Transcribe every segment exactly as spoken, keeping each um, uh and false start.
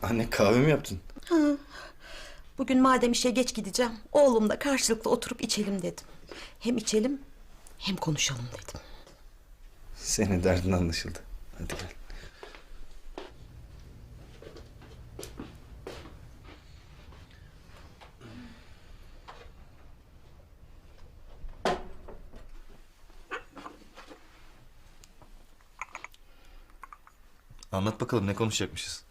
Anne kahve mi yaptın? Ha. Bugün madem işe geç gideceğim, oğlumla karşılıklı oturup içelim dedim. Hem içelim hem konuşalım dedim. Senin derdin anlaşıldı. Hadi gel. Anlat bakalım ne konuşacakmışız?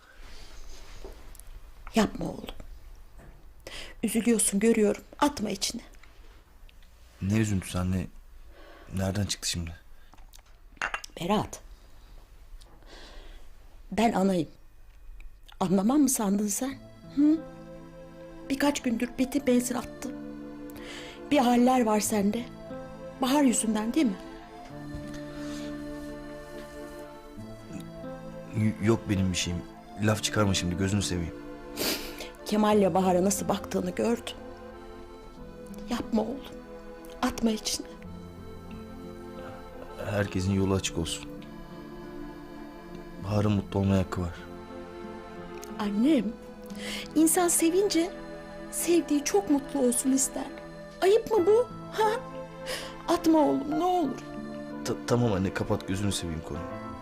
Yapma oğlum. Üzülüyorsun görüyorum. Atma içine. Ne üzüntüsü anne? Nereden çıktı şimdi? Berat. Ben anayım. Anlamam mı sandın sen? Hı? Birkaç gündür beti benzin attı. Bir haller var sende. Bahar yüzünden değil mi? Y- yok benim bir şeyim. Laf çıkarma şimdi, gözünü seveyim. Kemal'le Bahar'a nasıl baktığını gördüm. Yapma oğlum. Atma içine. Herkesin yolu açık olsun. Bahar'ın mutlu olmaya hakkı var. Annem, insan sevince sevdiği çok mutlu olsun ister. Ayıp mı bu? Ha? Atma oğlum ne olur. Ta- tamam anne, kapat, gözünü seveyim konuyu.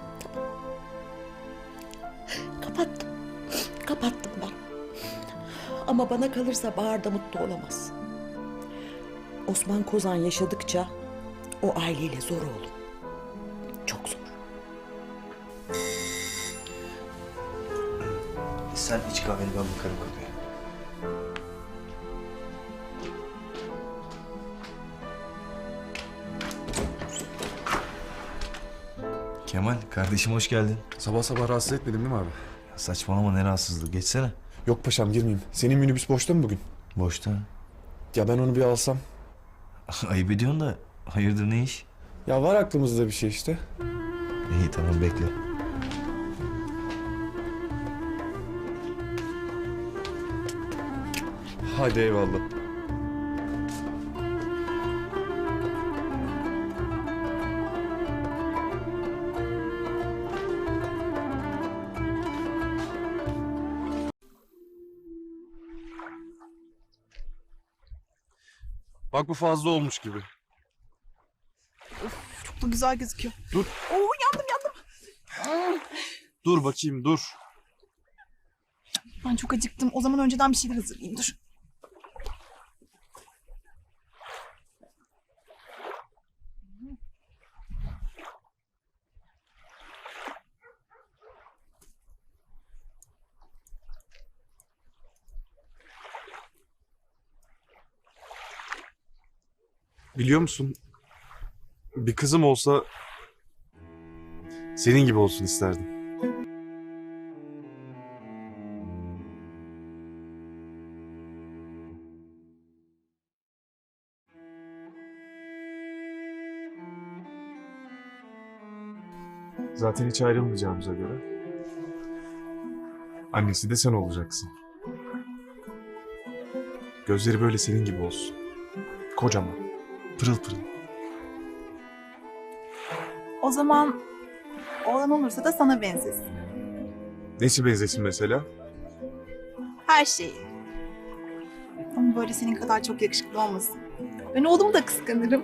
Kapattım. Kapattım ben. Ama bana kalırsa Bahar da mutlu olamaz. Osman Kozan yaşadıkça o aileyle zor oğlum. Çok zor. Sen iç kahveni, ben bakarım konuya. Kemal, kardeşim hoş geldin. Sabah sabah rahatsız etmedim değil mi abi? Ya saçmalama, ne rahatsızlığı, geçsene. Yok paşam girmeyeyim. Senin minibüs boşta mı bugün? Boşta. Ya ben onu bir alsam. Ayıp ediyorsun da, hayırdır ne iş? Ya var aklımızda bir şey işte. İyi tamam, bekle. Hadi eyvallah. Bak bu fazla olmuş gibi. Çok da güzel gözüküyor. Dur. Oo yandım yandım. Dur bakayım dur. Ben çok acıktım. O zaman önceden bir şeyler hazırlayayım dur. Biliyor musun? Bir kızım olsa senin gibi olsun isterdim. Zaten hiç ayrılmayacağımıza göre annesi de sen olacaksın. Gözleri böyle senin gibi olsun. Kocaman, pırıl pırıl. O zaman oğlan olursa da sana benzesin. Nesi benzesin mesela? Her şeyi. Ama böyle senin kadar çok yakışıklı olmasın. Ben oğlumu da kıskanırım.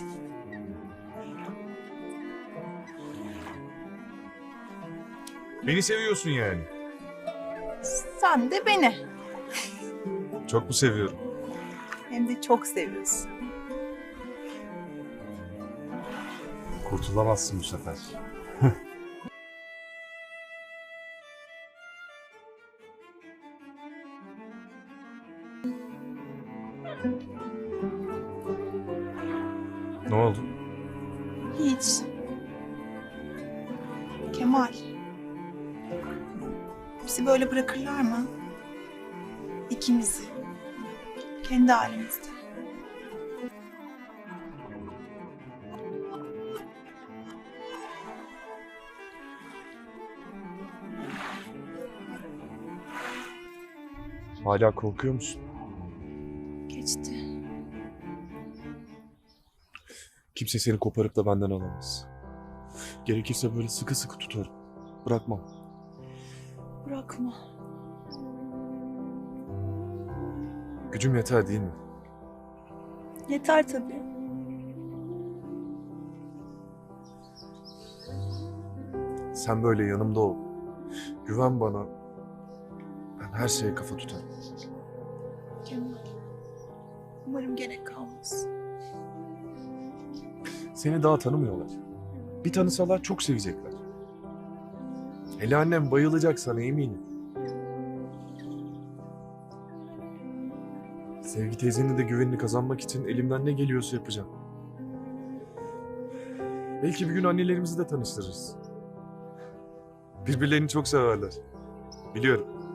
Beni seviyorsun yani. Sen de beni. Çok mu seviyorum? Hem de çok seviyorsun. Kurtulamazsın bu sefer. Ne oldu? Hiç. Kemal. Bizi böyle bırakırlar mı? İkimizi. Kendi halimizde. Hala korkuyor musun? Geçti. Kimse seni koparıp da benden alamaz. Gerekirse böyle sıkı sıkı tutarım. Bırakmam. Bırakma. Gücüm yeter değil mi? Yeter tabii. Sen böyle yanımda ol. Güven bana. Ben her şeye kafa tutarım. Kemal. Umarım gerek kalmaz. Seni daha tanımıyorlar. Bir tanısalar çok sevecekler. Hele annem bayılacak sana eminim. Sevgi teyzenin de güvenini kazanmak için elimden ne geliyorsa yapacağım. Belki bir gün annelerimizi de tanıştırırız. Birbirlerini çok severler. Biliyorum.